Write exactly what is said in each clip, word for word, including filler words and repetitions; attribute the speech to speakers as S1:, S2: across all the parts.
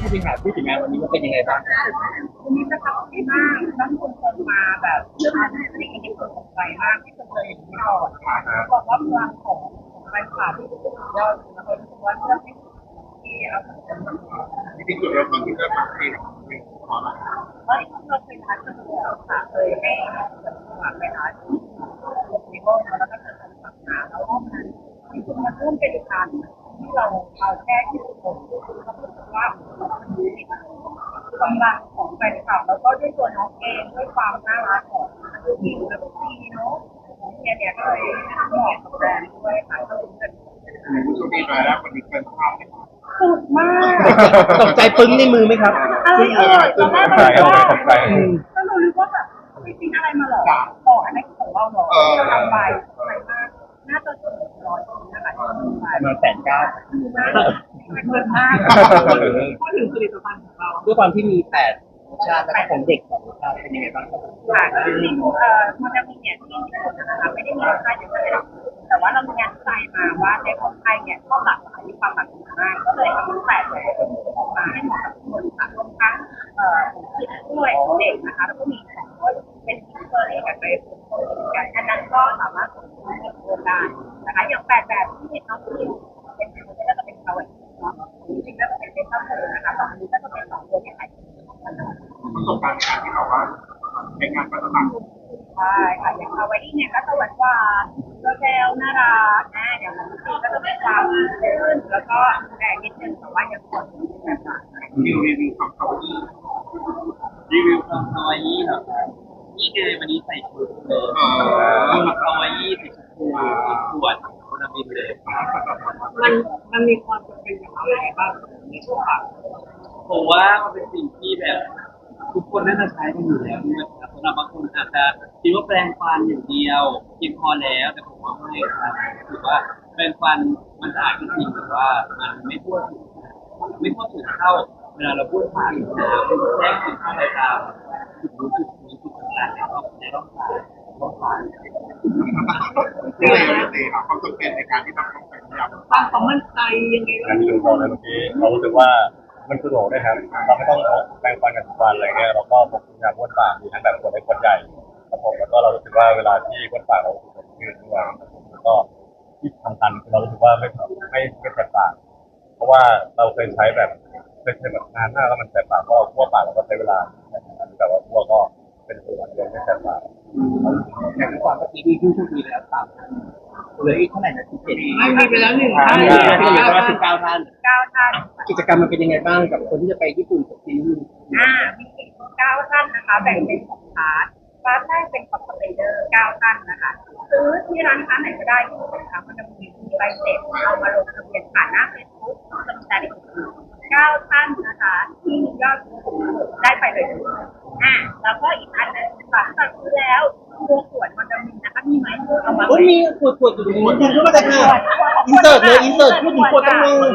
S1: ผู้บริหารพูดถึงงานวันนี้ว่าเป็นยังไงบ้าง
S2: วันนี้ประทับใจมากทั้งคนคนมาแบบเรื่องอะไรที่เห็นคนสนใจมากที่เคยเห็นมาก่อนค่ะบอกว่าพลังของของแฟนคลับที่สุดยอดแล้วก็รู้สึกว่าเรื่องที่ที่เราสนใจมาก
S3: จริงๆจุดเริ่มต้นที่เริ่มต้นที่เป็นขอมา
S2: เฮ้ยเราเคยทานกันแล้วค่ะเคยให้คนสมัครไปทานที่ห้องแล้วก็เคยทำสัมมนาแล้วห้องนั้นจริงๆมันเริ่มเป็นการที่เราเอาแค่ที่ผมเขาพูดว่ามันมีกำลังของแฟนคลับแล้วก็ด้วยตัวน้องเองด้วยความน่ารักของทีมและทีมเนาะเนี่ยเนี่ยก็เลยเหมาะกับแบรนด์ด้วยค่ะก็เลยเป็น
S3: ผู้โชคดีมาแล้วคนนี้เป็นภาพ
S2: สุดมาก
S1: ตกใจปึ้งในมือไหมครับ
S2: อะไรเอ่ยตอนแรกเราก็ก็เรารู้ว่าแบบไม่จริงอะไรมาหรอบอกอันนี้ของเราหรอเราทำไปอะไรมากน่าจะถึงร้อยนะคะ
S1: มาแสนเก้า
S2: เงินมากพูดถึงผลิตภัณฑ์ของเรา
S1: ด้วยความที่มีแปดชาติและของเด็กของชาติเป็นยังไงบ้างครับ
S2: ค่ะจริงๆเอ่อมันจะมีเนี่ยที่ญี่ปุ่นนะคะไม่ได้มีรสชาติอย่างไรแต่ว่าเรามีงานวิจัยมาว่าในของไทยเนี่ยชอบหลากหลายมีความหลากหลายมากก็เลยทำแปดแบบออกมาให้เหมาะกับทุกคนค่ะรวมทั้งเอ่อคิดด้วยเด็กนะคะแล้วก็มีของเป็นซิงเกิลเองกับไปเป็นคนกันอันนั้นก็สามารถส่งไปโรงได้นะคะอย่างแปดแบบที่น้องพิมเป็นคนที่ก็จะเป็นเขาเองเนาะจริงๆก็จะเป็นเป็นข้าวโพดนะคะสองอันนี้ก็จะเป็นสองตัวที่ขาย
S3: ประสบการณ์ในการที่บอกว่าเป็นงานประสบ
S2: ใช่ค่ะอย่างคาวาอี้เนี่ยก็จะหวานหวานก็แซวน่ารักนะอย่างมันซีก็จะมีความลื่นแล้วก็แรงนิดนึงแต่ว่ายังสดแบบ
S3: รีวิวรีวิวความคาวาอี้
S4: รีวิวความคาวาอี้เหรอครับนี่ไงวันนี้ใส่ชุดเลยดูคาวาอี้ใส่ชุดคูขวดโคนาบินเลย
S2: มันมันมีความจำเป็นอย่างไรบ้างในช่วงบ่าย
S4: ผมว่ามันเป็นสิ่งที่แบบทุกคนน่าจะใช้กันอยู่แล้วนะครับสำหรับบางคนอาจจะคิดว่าแปรงฟันอย่างเดียวเพียงพอแล้วแต่ผมว่าไม่ครับถือว่าแปรงฟันมันสะอาดจริงแต่ว่ามันไม่ทั่วถึงไม่ทั่วถึงเท่าเวลาเราพูดผ่านน้ำแทรกถึงเข้าไปตามจุดรู้จุดนี้จุดต่างๆในรอบในรอบขาร่องขา
S3: ที่เลยเลยตีครับความจำเป็นในการที่ต้องต้องเป็นยา
S2: ความความมั่นใจยังไง
S5: การที่ดูมองในเมื่อกี้เรารู้สึกว่ามันสะดวกนะครับเราไม่ต้องแปรงฟันกันทุกวันอะไรเงี้ยเราก็พกยาบ้วนปากมีทั้งแบบคนเล็กคนใหญ่ครับผมแล้วก็เรารู้สึกว่าเวลาที่บ้วนปากเรารู้สึกยืดด้วยแล้วก็ที่สำคัญคือเรารู้สึกว่าไม่ไม่ไม่แสบปากเพราะว่าเราเคยใช้แบบเคยใช้แบบนานมากแล้วมันแสบปากเพราะเราคั่วปากเราก็ใช้เวลาแต่ว่าคั่วก็เป็นส่วนเดียวไม่แสบปาก
S1: อย่างที่ความเมื่อกี้มีผู้โชคดีแล้วสามเหลืออีกเท่าไหร่นะสิบเจ็ด
S2: ไม่มีไปแล้วหนึ่งท่าน
S1: ที่เหลือว่าสิบเก้าท่าน
S2: เก้าท่าน
S1: กิจกรรมมันเป็นยังไงบ้างกับคนที่จะไปญี่ปุ่นกับทีม
S2: อ่ามีเก้าท่านนะคะแบ่งเป็นสองพาร์ทพาร์ทแรกเป็นคอมเพลเดอร์เก้าท่านนะคะซื้อที่ร้านค้าไหนก็ได้ที่สินค้ามันจะมีใบเสร็จเอามาลงทะเบียนผ่านหน้าเฟซบุ๊กจะมีรายละเอียดเก้าท่านนะคะที่มียอดได้ไปเลยอ่าแล้วก็อีกอันนึงฝากสั่งซื้อแล้วตัวขวดมันจะมีนะคะมีไหมเอามา
S1: มีขวดขวดอยู่ตรงนี้ดึงเข้ามาจากไหนอินเสิร์ตเลยอินเสิร์ตพูดถึงขวดต้องเลย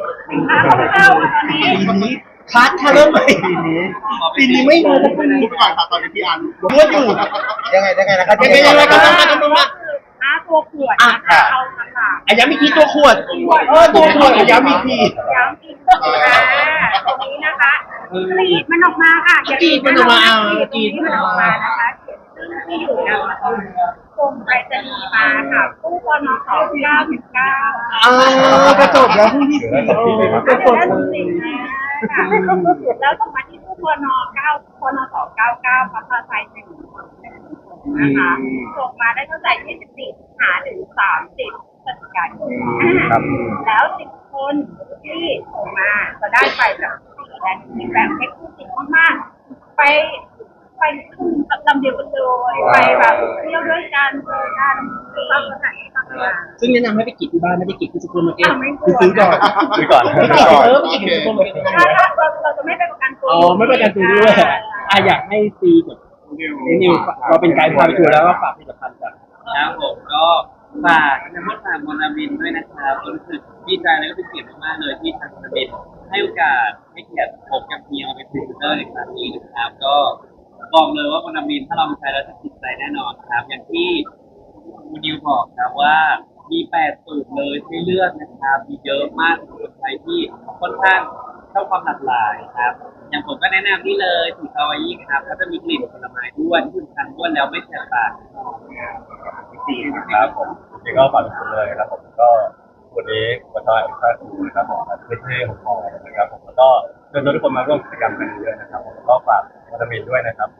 S1: ปีนี้คัดค่ะเริ่มใหม่ปีนี้ปีนี้ไม่รู้
S3: พูดไปก่อนครับตอนนี้พี่อัน
S1: พูดอยู่
S5: ยังไงยังไงนะครับ
S1: ยังไงยังไงก็ต้องมาต้องมา
S2: ห้าตัวขวดนะคะเอาค่ะ
S1: อาย้ำอีกทีตัวขวดเออตัวขวดอาย้ำอีกที
S2: ย้ำอีกทีอ่าตรงนี้นะคะกรีดมันออกมาค่ะ
S1: กรีดมันออกมาอ่าก
S2: รีดมันออกมานะคะที่อยู่นะส่งไปรษณีย์มาค่ะตู้ปนสองเก้าสิบเก้า
S1: อ่ากระจกแล้วผู้ที่สี่
S2: กระจกค่ะแล้วส่งมาที่ตู้ปนเก้าปนสองเก้าเก้าพัฒนาไซน์หนึ่งนะคะส่งมาได้ตั้งแต่ยี่สิบสี่หาถึงสามสิบพฤศจิกายนแล้วสิบคนที่ส่งมาจะได้ไปแบบสี่แดนมีแบบเทคนิคมากๆไปไปขึ้นลำเดียวกันเลยไปแบบเที่ยวด้วยกันเจอกันตามสถานที่ต่าง
S1: ๆซึ่งแนะนำให้ไปกินที่บ้านไม่ได้กินที่ซูเปอร์มาร์เก็ต
S2: คือ
S1: ซื้อก่อน
S5: ซื้อก่อน
S1: ไม่กินเออไม่กินที่ซูเปอร์มาร์เก็ต
S2: ถ้าเราเราจะไม่ไปประกันตัว
S1: อ๋อไม่ประกันตัวด้วยอ่ะอยากให้ซีกับนิวเราเป็นไกด์พาไปทัวร์แล้วก็ฝากผลิตภัณฑ์จาก
S4: ครับผมก็ฝากทางมดฝากมอนามินด้วยนะครับรู้สึกดีใจและก็เป็นเกียรติมากเลยที่ทางมอนามินให้โอกาสให้เกียรติผมกับเพียงมาเป็นพรีเซนเตอร์ในครั้งนี้นะครับก็บอกเลยว่ามอนามินถ้าเราใช้แล้วจะติดใจแน่นอนครับอย่างที่คุณนิวบอกครับว่ามีแปดสูตรเลยให้เลือกนะครับมีเยอะมากสำหรับคนไทยที่ค่อนข้างชอบความหลากหลายครับ อย่างผมก็แนะนำนี่เลยสูตรคาวาอิครับก็จะมีกลิ่นผลไม้ด้วยที่สำคัญด้วยแล้วไม่แสบปาก
S3: สี่นะ
S5: ครับผมจริงๆก็ฝากทุกคนเลยนะครับผมก็วันนี้วันที่เอ็กซ์ตร้าทูนะครับผมพื้นที่ของมอนะครับผมแล้วก็เชิญชวนทุกคนมาร่วมกิจกรรมกันเยอะนะครับผมแล้วก็ฝากวิตามินด้วยนะครับผม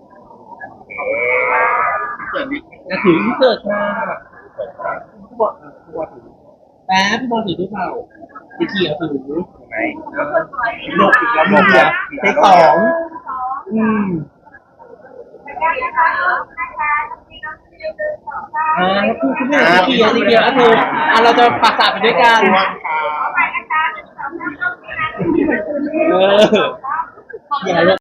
S3: เกิดนี้
S1: จะถือที่เกิดมาพี่บอลพี่บอลถือแป๊บพี่บอลถือหรือเปล่าพี่เขียวถือ
S3: ไหม
S1: โลกอีกแล้วโลกแล้วเทคสองอืมอ่าแล้วคือคุณแม่พี่เขียวพี่เขียวก็คืออ่าเราจะปราสาทไปด้วยกัน
S3: ชวนค่ะ
S1: เอออย่า